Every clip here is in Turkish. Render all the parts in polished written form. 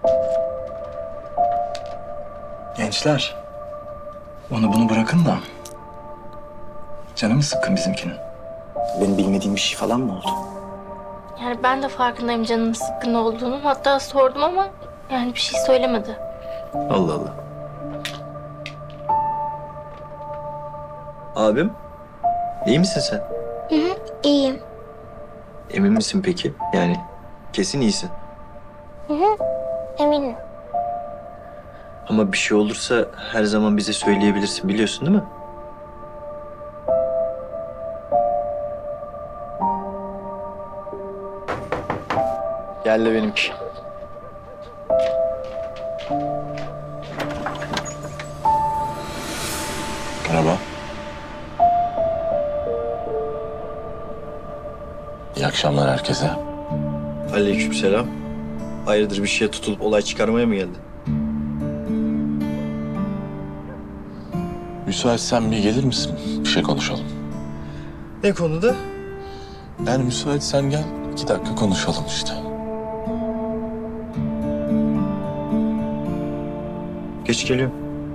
Gençler, onu bunu bırakın da canı mı sıkkın bizimkinin? Benim bilmediğim bir şey falan mı oldu? Yani ben de farkındayım canının sıkkın olduğunu. Hatta sordum ama yani bir şey söylemedi. Allah Allah. Abim, iyi misin sen? İyiyim. Emin misin peki? Yani kesin iyisin. Eminim. Ama bir şey olursa her zaman bize söyleyebilirsin, biliyorsun değil mi? Gel de benimki. Merhaba. İyi akşamlar herkese. Aleykümselam. Hayırdır, bir şeye tutulup olay çıkarmaya mı geldin? Müsaitsen bir gelir misin? Bir şey konuşalım. Ne konuda? Yani müsaitsen gel, 2 dakika konuşalım işte. Geç geliyorum.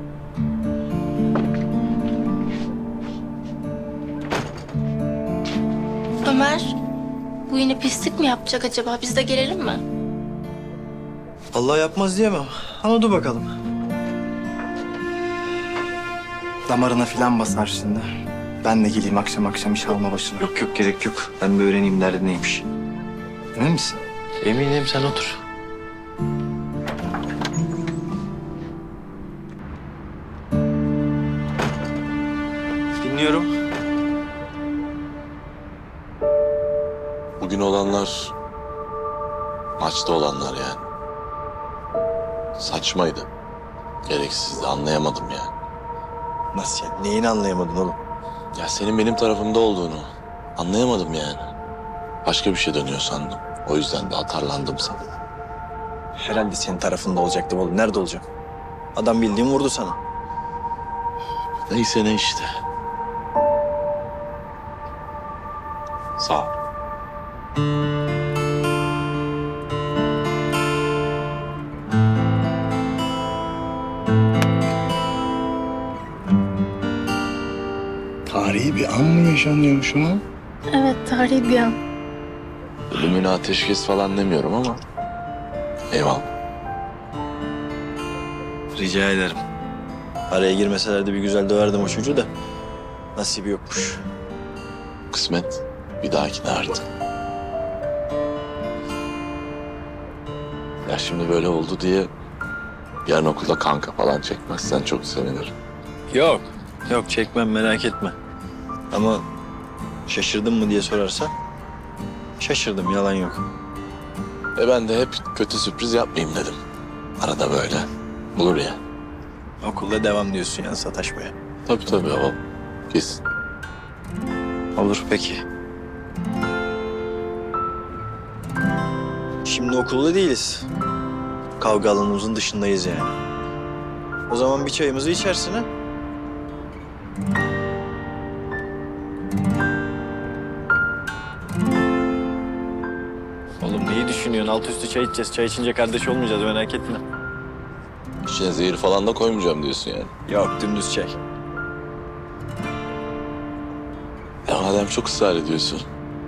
Ömer, bu yine pislik mi yapacak acaba? Biz de gelelim mi? Allah yapmaz diyemem. Ama dur bakalım. Damarına filan basar şimdi. Ben de geleyim akşam akşam iş alma başına. Yok yok, gerek yok. Ben bir öğreneyim derdi neymiş. Emin misin? Eminim, sen otur. Dinliyorum. Bugün olanlar, maçta olanlar yani. Saçmaydı. Gereksizdi, anlayamadım yani. Nasıl yani? Neyini anlayamadın oğlum? Ya senin benim tarafımda olduğunu anlayamadım yani. Başka bir şey dönüyor sandım. O yüzden de atarlandım sana. Herhalde senin tarafında olacaktım oğlum. Nerede olacağım? Adam bildiğin vurdu sana. Neyse ne işte. Sağ ol. Tarihi bir an mı yaşanıyor şu an? Evet, tarihi bir an. Ölümüne ateşkes falan demiyorum ama eyvallah. Rica ederim. Araya girmeselerdi bir güzel döverdim o çocuğu da. Nasibi yokmuş. Kısmet bir dahakine artık. Ya şimdi böyle oldu diye yarın okulda kanka falan çekmezsen çok sevinirim. Yok. Yok, çekmem, merak etme. Ama şaşırdın mı diye sorarsan şaşırdım, yalan yok. Ben de hep kötü sürpriz yapmayayım dedim. Arada böyle olur ya. Okulda devam diyorsun yani sataşmaya. Tabii o kesin. Olur peki. Şimdi okulda değiliz. Kavga alanımızın dışındayız yani. O zaman bir çayımızı içersin ha? Oğlum neyi düşünüyorsun? Alt üstü çay içeceğiz. Çay içince kardeş olmayacağız, merak etme. İçine zehir falan da koymayacağım diyorsun yani. Yok, dümdüz çay. Ya madem çok ısrar ediyorsun.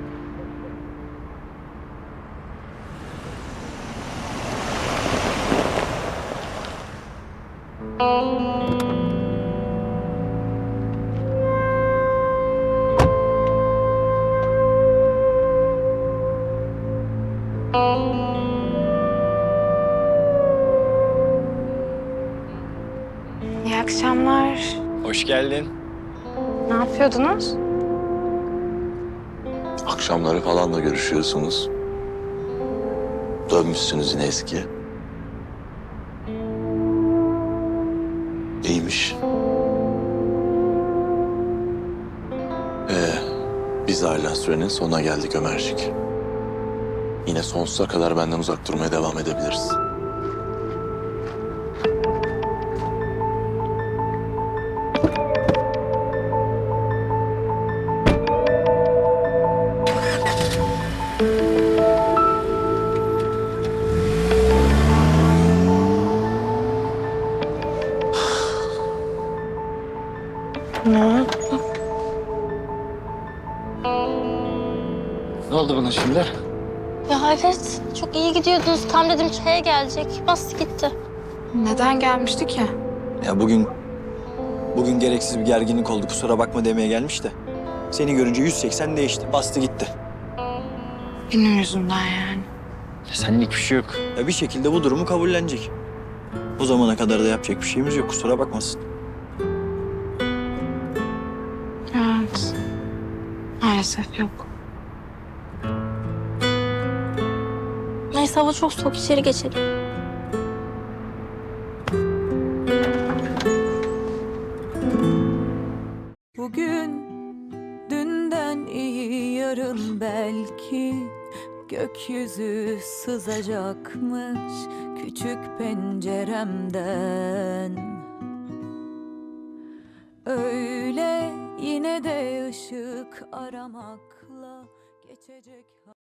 İyi akşamlar. Hoş geldin. Ne yapıyordunuz? Akşamları falan da görüşüyorsunuz. Dönmüşsünüz yine eskiye. İyiymiş. Biz ayrılan sürenin sonuna geldik Ömercik. Yine sonsuza kadar benden uzak durmaya devam edebiliriz. bana şimdi? Ya evet, çok iyi gidiyordunuz. Tam dedim çaya gelecek. Bastı gitti. Neden gelmişti ki? Ya bugün gereksiz bir gerginlik oldu. Kusura bakma demeye gelmiş de. Seni görünce 180 değişti. Bastı gitti. Benim yüzümden yani. Senlik bir şey yok. Ya bir şekilde bu durumu kabullenecek. O zamana kadar da yapacak bir şeyimiz yok. Kusura bakmasın. Evet. Maalesef yok. Neyse hava çok soğuk, içeri geçelim. Bugün dünden iyi, yarın belki gökyüzü sızacakmış küçük penceremden. Öyle yine de ışık aramakla geçecek.